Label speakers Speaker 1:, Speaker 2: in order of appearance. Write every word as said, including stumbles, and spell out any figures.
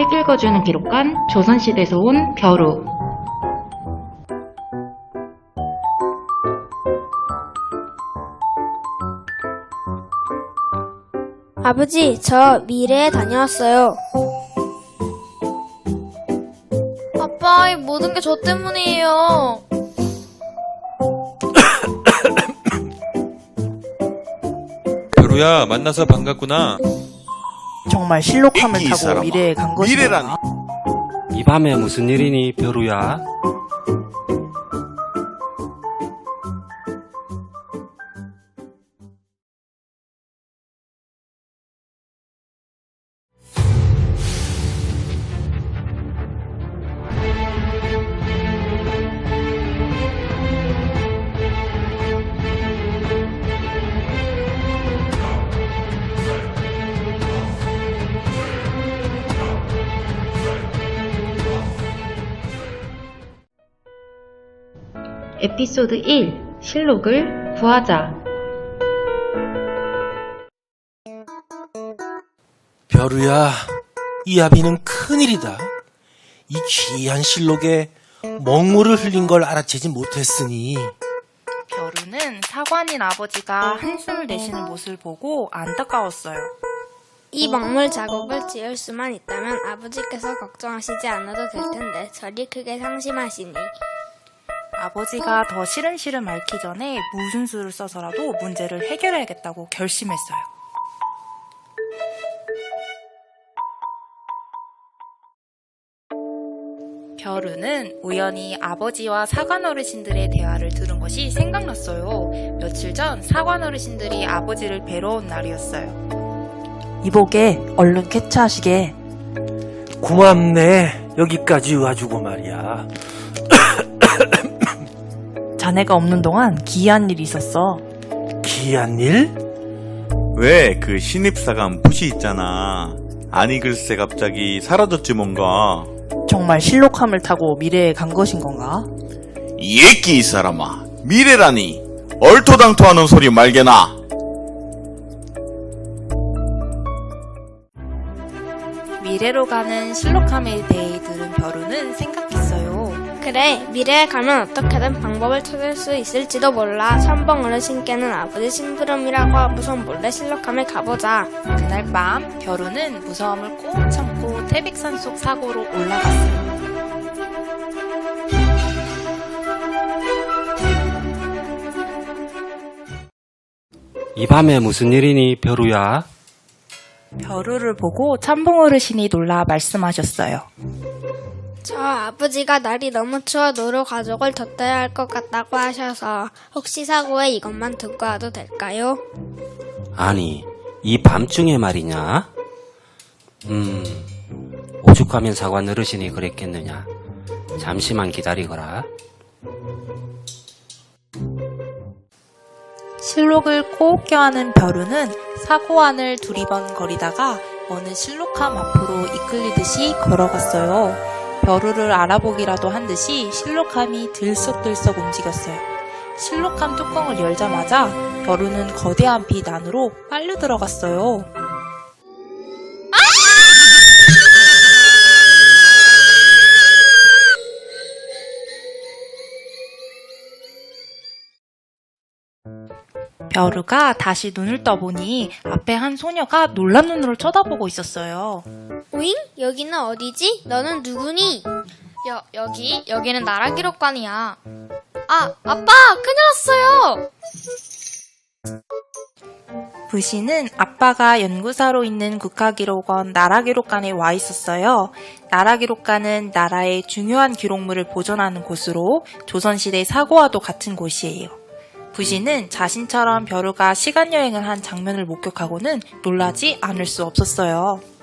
Speaker 1: 책 읽어주는 기록관 조선시대에서 온 벼루.
Speaker 2: 아버지, 저 미래에 다녀왔어요.
Speaker 3: 아빠, 이 모든 게 저 때문이에요.
Speaker 4: 벼루야, 만나서 반갑구나.
Speaker 5: 정말 실록함을
Speaker 6: 이
Speaker 5: 타고
Speaker 6: 사람아,
Speaker 5: 미래에 간 것이구나.
Speaker 6: 미래라니.
Speaker 7: 이 밤에 무슨 일이니, 벼루야?
Speaker 1: 에피소드 일. 실록을 구하자.
Speaker 8: 벼루야, 이 아비는 큰일이다. 이 귀한 실록에 먹물을 흘린 걸 알아채지 못했으니.
Speaker 9: 벼루는 사관인 아버지가 한숨을 내쉬는 모습을 보고 안타까웠어요.
Speaker 2: 이 먹물 자국을 지을 수만 있다면 아버지께서 걱정하시지 않아도 될 텐데 저리 크게 상심하시니.
Speaker 9: 아버지가 더 시름시름 앓기 전에 무슨 수를 써서라도 문제를 해결해야겠다고 결심했어요. 벼루는 우연히 아버지와 사관 어르신들의 대화를 들은 것이 생각났어요. 며칠 전 사관 어르신들이 아버지를 뵈러 온 날이었어요.
Speaker 5: 이보게, 얼른 쾌차하시게.
Speaker 8: 고맙네. 여기까지 와주고 말이야.
Speaker 5: 자네가 없는 동안 기이한 일이 있었어.
Speaker 8: 귀한 일?
Speaker 6: 왜 그 신입사관 푸시 있잖아. 아니 글쎄 갑자기 사라졌지 뭔가.
Speaker 5: 정말 실록함을 타고 미래에 간 것인 건가?
Speaker 6: 이 애끼 이 사람아. 미래라니. 얼토당토하는 소리 말게나.
Speaker 9: 미래로 가는 실록함에 대해 들은 벼루는 생각했어요.
Speaker 2: 그래, 미래에 가면 어떻게든 방법을 찾을 수 있을지도 몰라. 선봉 어르신께는 아버지 심부름이라고 하고선 몰래 실록함에 가보자.
Speaker 9: 그날 밤 벼루는 무서움을 꼭 참고 태백산 속 사고로 올라갔어요.
Speaker 7: 이 밤에 무슨 일이니, 벼루야?
Speaker 9: 벼루를 보고 참봉 어르신이 놀라 말씀하셨어요.
Speaker 2: 저 아버지가 날이 너무 추워 노루 가족을 덧대야 할 것 같다고 하셔서 혹시 사고에 이것만 듣고 와도 될까요?
Speaker 7: 아니, 이 밤중에 말이냐? 음, 오죽하면 사관 어르신이 그랬겠느냐? 잠시만 기다리거라.
Speaker 9: 실록을 꼭 껴안은 벼루는 사고 안을 두리번거리다가 어느 실록함 앞으로 이끌리듯이 걸어갔어요. 벼루를 알아보기라도 한 듯이 실록함이 들썩들썩 움직였어요. 실록함 뚜껑을 열자마자 벼루는 거대한 빛 안으로 빨려 들어갔어요. 벼루가 다시 눈을 떠보니 앞에 한 소녀가 놀란 눈으로 쳐다보고 있었어요.
Speaker 2: 오잉? 여기는 어디지? 너는 누구니?
Speaker 3: 여, 여기, 여기는 나라기록관이야. 아, 아빠! 큰일 났어요!
Speaker 9: 부시는 아빠가 연구사로 있는 국가기록원 나라기록관에 와 있었어요. 나라기록관은 나라의 중요한 기록물을 보존하는 곳으로 조선시대 사고와도 같은 곳이에요. 부시는 자신처럼 벼루가 시간여행을 한 장면을 목격하고는 놀라지 않을 수 없었어요.